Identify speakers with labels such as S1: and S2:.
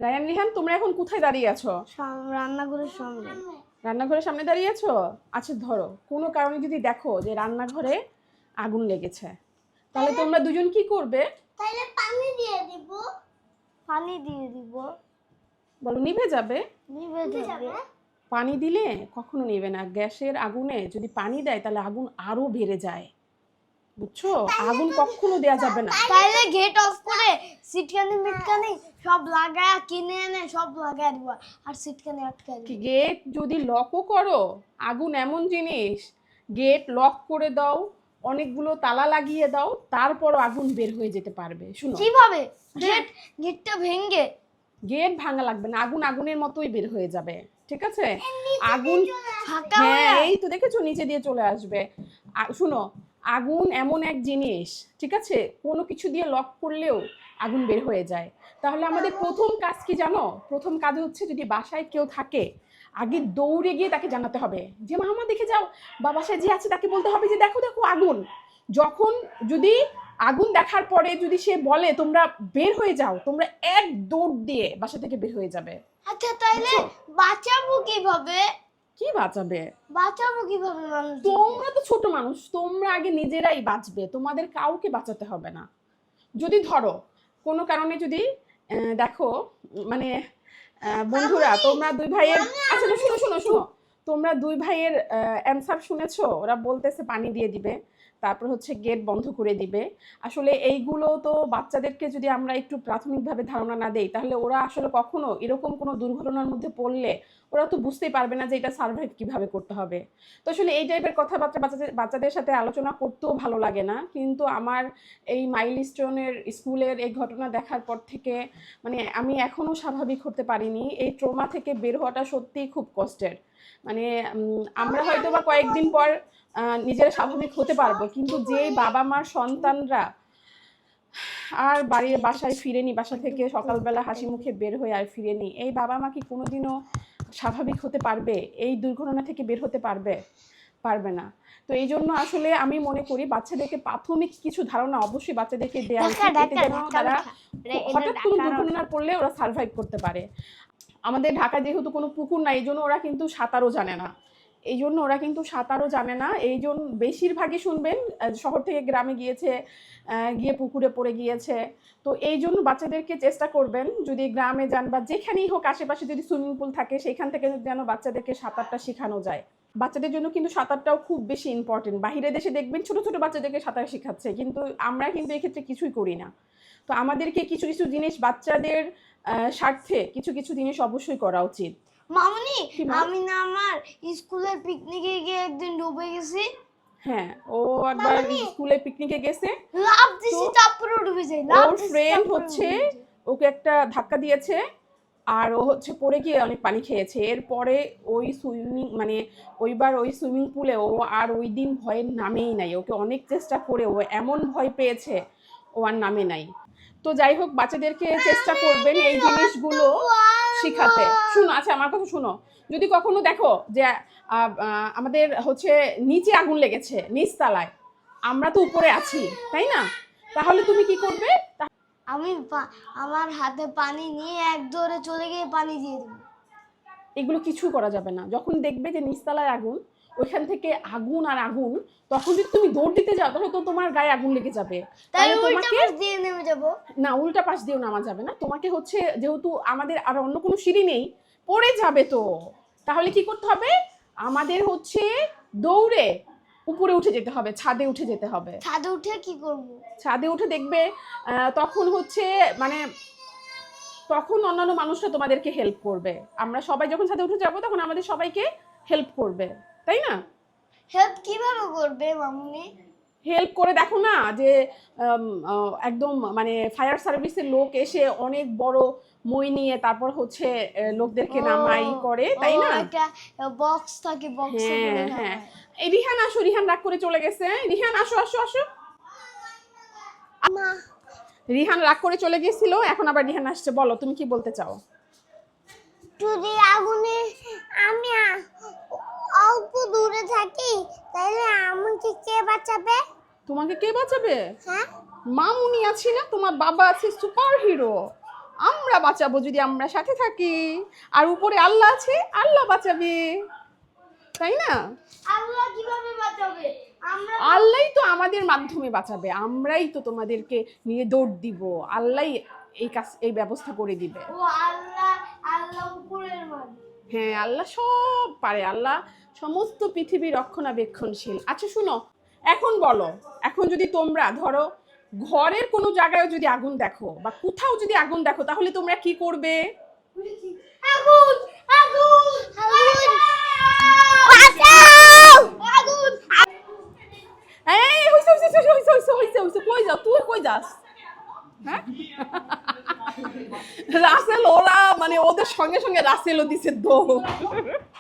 S1: Ryan, Rihan, তোমরা এখন কোথায় দাঁড়িয়ে আছো?
S2: রান্নাঘরের সামনে।
S1: রান্নাঘরের সামনে দাঁড়িয়ে আছো? আচ্ছা, ধরো কোনো কারণে যদি দেখো যে রান্নাঘরে আগুন লেগেছে, তাহলে তোমরা দুজন কি করবে?
S2: তাহলে পানি দিয়ে দিব। পানি দিয়ে দিব।
S1: বলো, নিভে যাবে?
S2: নিভে যাবে।
S1: পানি দিলে কখনো নিবে না। গ্যাসের আগুনে যদি পানি দেয় তাহলে আগুন আরো বেড়ে যায়, বুঝছো? আগুন কখনো দেয়া যাবে না।
S2: তাহলে গেট অফ করে সিটকানি মিটকানি সব লাগায় কিনে এনে সব লাগায় দিব, আর সিটকানি আটকায় দিব।
S1: গেট যদি লকও করো, আগুন এমন জিনিস, গেট লক করে দাও, অনেকগুলো তালা লাগিয়ে দাও, তারপরও আগুন বের হয়ে যেতে পারবে। শুনো,
S2: কিভাবে? গেটটা ভেঙে?
S1: গেট ভাঙা লাগবে না, আগুন আগুনের মতোই বের হয়ে যাবে, ঠিক আছে? আগুন,
S2: ফাঁকা
S1: হ্যাঁ, এই তো দেখেছো, নিচে দিয়ে চলে আসবে। শুনো, আগুন এমন এক জিনিস, ঠিক আছে, কোনো কিছু দিয়ে লক করলেও আগুন বের হয়ে যায়। তাহলে আমাদের প্রথম কাজ কি জানো? প্রথম কাজ হচ্ছে, যদি বাসায় কেউ থাকে, আগে দৌড়ে গিয়ে তাকে জানাতে হবে যে মামা দেখে যাও, বা বাসায় যে আছে তাকে বলতে হবে যে দেখো দেখো আগুন। যখন যদি আগুন দেখার পরে যদি সে বলে তোমরা বের হয়ে যাও, তোমরা এক দৌড় দিয়ে বাসা থেকে বের হয়ে যাবে।
S2: আচ্ছা, তাইলে বাঁচাবো কিভাবে?
S1: কি বাঁচাবে?
S2: বাঁচাবো কিভাবে মানুষ?
S1: তোমরা তো ছোট মানুষ, তোমরা আগে নিজেরাই বাঁচবে, তোমাদের কাউকে বাঁচাতে হবে না। যদি ধরো কোনো কারণে যদি দেখো, মানে বন্ধুরা, তোমরা দুই ভাইয়ের, আচ্ছা শোনো শোনো শোনো, তোমরা দুই ভাইয়ের অ্যান্সার শুনেছো? ওরা বলতেছে পানি দিয়ে দিবে, তারপর হচ্ছে গেট বন্ধ করে দিবে। আসলে এইগুলো তো বাচ্চাদেরকে যদি আমরা একটু প্রাথমিকভাবে ধারণা না দেই, তাহলে ওরা আসলে কখনো এরকম কোনো দুর্ঘটনার মধ্যে পড়লে ওরা তো বুঝতেই পারবে না যে এটা সার্ভাইভ কিভাবে করতে হবে। তো আসলে এই টাইপের কথাবার্তা বাচ্চাদের সাথে আলোচনা করতেও ভালো লাগে না, কিন্তু আমার এই মাইলস্টোনের স্কুলের এই ঘটনা দেখার পর থেকে মানে আমি এখনও স্বাভাবিক হতে পারিনি। এই ট্রমা থেকে বের হওয়াটা সত্যিই খুব কষ্টের। মানে আমরা হয়তো বা কয়েকদিন পর নিজেরা স্বাভাবিক হতে পারবো, কিন্তু যেই বাবা মার সন্তানরা আর বাসায় ফিরেনি, বাসা থেকে সকালবেলা হাসি মুখে বের হয়ে আর ফিরেনি, এই বাবা মা কি কোনোদিনও স্বাভাবিক হতে পারবে? এই দুর্ঘটনা থেকে বের হতে পারবে? পারবে না। তো এই জন্য আসলে আমি মনে করি বাচ্চাদেরকে প্রাথমিক কিছু ধারণা অবশ্যই বাচ্চাদেরকে দেওয়া উচিত, এতে যেন তারা হঠাৎ কোনো দুর্ঘটনার পড়লে ওরা সার্ভাইভ করতে পারে। আমাদের ঢাকায় যেহেতু কোনো পুকুর নাই, এই জন্য ওরা কিন্তু সাঁতারও জানে না। এই জন্য বেশিরভাগই শুনবেন শহর থেকে গ্রামে গিয়েছে, গিয়ে পুকুরে পড়ে গিয়েছে। তো এই জন্য বাচ্চাদেরকে চেষ্টা করবেন, যদি গ্রামে যান বা যেখানেই হোক আশেপাশে যদি সুইমিং পুল থাকে, সেইখান থেকে যেন বাচ্চাদেরকে সাঁতারটা শেখানো যায়। বাচ্চাদের জন্য কিন্তু সাঁতারটাও খুব বেশি ইম্পর্টেন্ট। বাইরে দেশে দেখবেন ছোট ছোট বাচ্চাদেরকে সাঁতার শেখাচ্ছে, কিন্তু আমরা কিন্তু এক্ষেত্রে কিছুই করি না। তো আমাদেরকে কিছু কিছু জিনিস বাচ্চাদের স্বার্থে কিছু কিছু জিনিস অবশ্যই করা উচিত।
S2: মামুনি, আমি না আমার স্কুলের পিকনিকে গিয়ে একদিন ডুবে গেছি।
S1: হ্যাঁ, ও একবার স্কুলে পিকনিকে গেছে,
S2: লাফ দিছি, তারপরে ডুবে যাই।
S1: ওর ফ্রেন্ড হচ্ছে ওকে একটা ধাক্কা দিয়েছে, আর ও হচ্ছে পড়ে গিয়ে অনেক পানি খেয়েছে। এরপরে ওই সুইমিং পুলে ও আর ওই দিন ভয়ের নামেই নাই। ওকে অনেক চেষ্টা করে ও এমন ভয় পেয়েছে, ও আর নামে নাই। তো যাই হোক, বাচ্চাদেরকে চেষ্টা করবেন এই জিনিসগুলো শিখাতে। শুনো, আচ্ছা আমার কথা শুনো, যদি কখনো দেখো যে আমাদের হচ্ছে নিচে আগুন লেগেছে, নিচতলায়, আমরা তো উপরে আছি, তাই না? তাহলে তুমি কি করবে?
S2: আমি আমার হাতে পানি নিয়ে এক দৌড়ে চলে গিয়ে পানি দিয়ে দেবো।
S1: এগুলো কিছু করা যাবে না। যখন দেখবে যে নিচতলায় আগুন, ওইখান থেকে আগুন আর আগুন, তখন যদি তুমি দৌড় দিতে যাও তাহলে তো তোমার গায়ে আগুন লেগে যাবে।
S2: তাহলে উল্টা পাশ দিয়ে নেমে যাব।
S1: না, উল্টা পাশ দিয়েও নামা যাবে না। তোমাকে হচ্ছে, যেহেতু আমাদের আর অন্য কোনো সিঁড়ি নেই, পড়ে যাবে তো। তাহলে কি করতে হবে? আমাদের হচ্ছে দৌড়ে উপরে উঠে যেতে হবে, ছাদে উঠে যেতে হবে।
S2: ছাদে উঠে কি করব?
S1: ছাদে উঠে দেখবে তখন হচ্ছে মানে তখন অন্যান্য মানুষরা তোমাদেরকে হেল্প করবে। আমরা সবাই যখন ছাদে উঠে যাব তখন আমাদের সবাইকে হেল্প করবে, তাই না?
S2: হেল্প কিভাবে করবে মামুনি?
S1: হেল্প করে দেখো না, যে একদম মানে ফায়ার সার্ভিসের লোক এসে অনেক বড় মই নিয়ে তারপর হচ্ছে লোকদেরকে নামাই করে, তাই না?
S2: একটা বক্স থাকে, বক্সে করে না।
S1: হ্যাঁ, এই রিহান আসো, রিহান রাগ করে চলে গেছে। রিহান আসো আসো আসো।
S2: মা,
S1: রিহান রাগ করে চলে গেছিল, এখন আবার রিহান আসছে। বলো, তুমি কি বলতে চাও?
S2: যদি আগুনে আমি অল্প দূরে থাকি, তাহলে আমাকে কে বাঁচাবে?
S1: তোমাকে কে বাঁচাবে?
S2: হ্যাঁ,
S1: মামুনি আছি না, তোমার বাবা আছে সুপার হিরো। আমরা বাঁচাবো যদি আমরা সাথে থাকি, আর উপরে আল্লাহ আছে, আল্লাহ বাঁচাবে, তাই না?
S2: আল্লাহ কিভাবে বাঁচাবে? আমরা
S1: আল্লাহই তো আমাদের মাধ্যমে বাঁচাবে, আমরাই তো তোমাদেরকে নিয়ে দৌড় দিব, আল্লাহই এই ব্যবস্থা করে দিবে।
S2: ও আল্লাহ, আল্লাহ উপরের মালিক।
S1: হ্যাঁ, আল্লাহ সব পারে, আল্লাহ সমস্ত পৃথিবী রক্ষণাবেক্ষণশীল। আচ্ছা শুনো, এখন বলো, এখন যদি তোমরা ধরো ঘরের কোনো জায়গায় যদি আগুন দেখো বা কোথাও যদি আগুন দেখো, তাহলে তোমরা কি করবে?
S2: আগুন, আগুন, আগুন, বাঁচাও, আগুন।
S1: এই হইছে হইছে হইছে হইছে হইছে হইছে হইছে, কই যাও তুই, কই যাস? হ্যাঁ, রাসেল ওরা মানে ওদের সঙ্গে সঙ্গে রাসেলও দিছে দৌড়।